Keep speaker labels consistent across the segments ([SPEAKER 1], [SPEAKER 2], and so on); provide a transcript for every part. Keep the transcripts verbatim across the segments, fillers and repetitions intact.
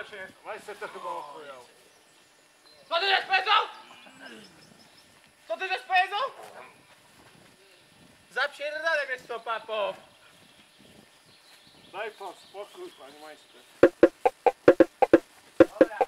[SPEAKER 1] się, majster to chyba ochujał.
[SPEAKER 2] Co ty żeś powiedział? Co ty żeś powiedział? Zapierdalaj mnie z tą papą.
[SPEAKER 1] Daj pan spokój, panie majster.
[SPEAKER 2] Dobra.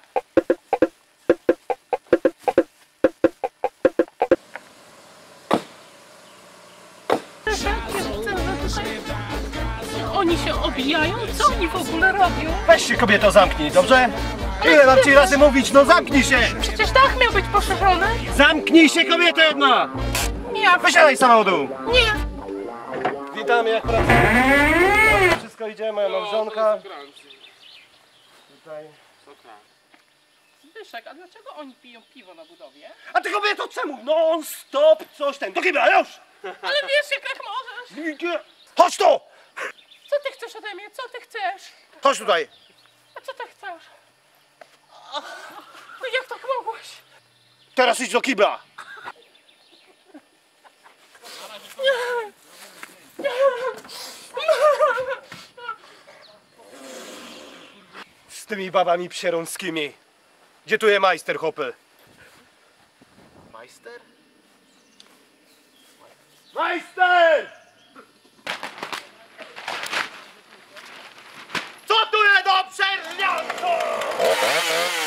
[SPEAKER 3] Oni się obijają? Co oni w ogóle robią?
[SPEAKER 4] Weź się kobieto zamknij, dobrze? Ile mam ci razy mówić, no zamknij się!
[SPEAKER 3] Przecież dach miał być poszerzony.
[SPEAKER 4] Zamknij się kobieto jedna!
[SPEAKER 3] Nie,
[SPEAKER 4] Wysiadaj z samochodu!
[SPEAKER 3] nie.
[SPEAKER 4] Witamy, jak pracujemy. Wszystko idzie, moja małżonka. Tutaj.
[SPEAKER 3] Zbyszek, a dlaczego oni piją piwo na budowie?
[SPEAKER 4] A ty kobieto czemu? Non stop coś ten. Do kibla, już!
[SPEAKER 3] Ale wiesz, jak, jak możesz.
[SPEAKER 4] Idzie. Chodź tu!
[SPEAKER 3] Co ty chcesz ode mnie? Co ty chcesz?
[SPEAKER 4] Chodź tutaj.
[SPEAKER 3] A co ty chcesz? No jak tak mogłeś?
[SPEAKER 4] Teraz idź do kibla. Z tymi babami psierąckimi. Gdzie tu jest majster, hopy?
[SPEAKER 2] Majster?
[SPEAKER 4] Majster! Co tu jest do przerwianku?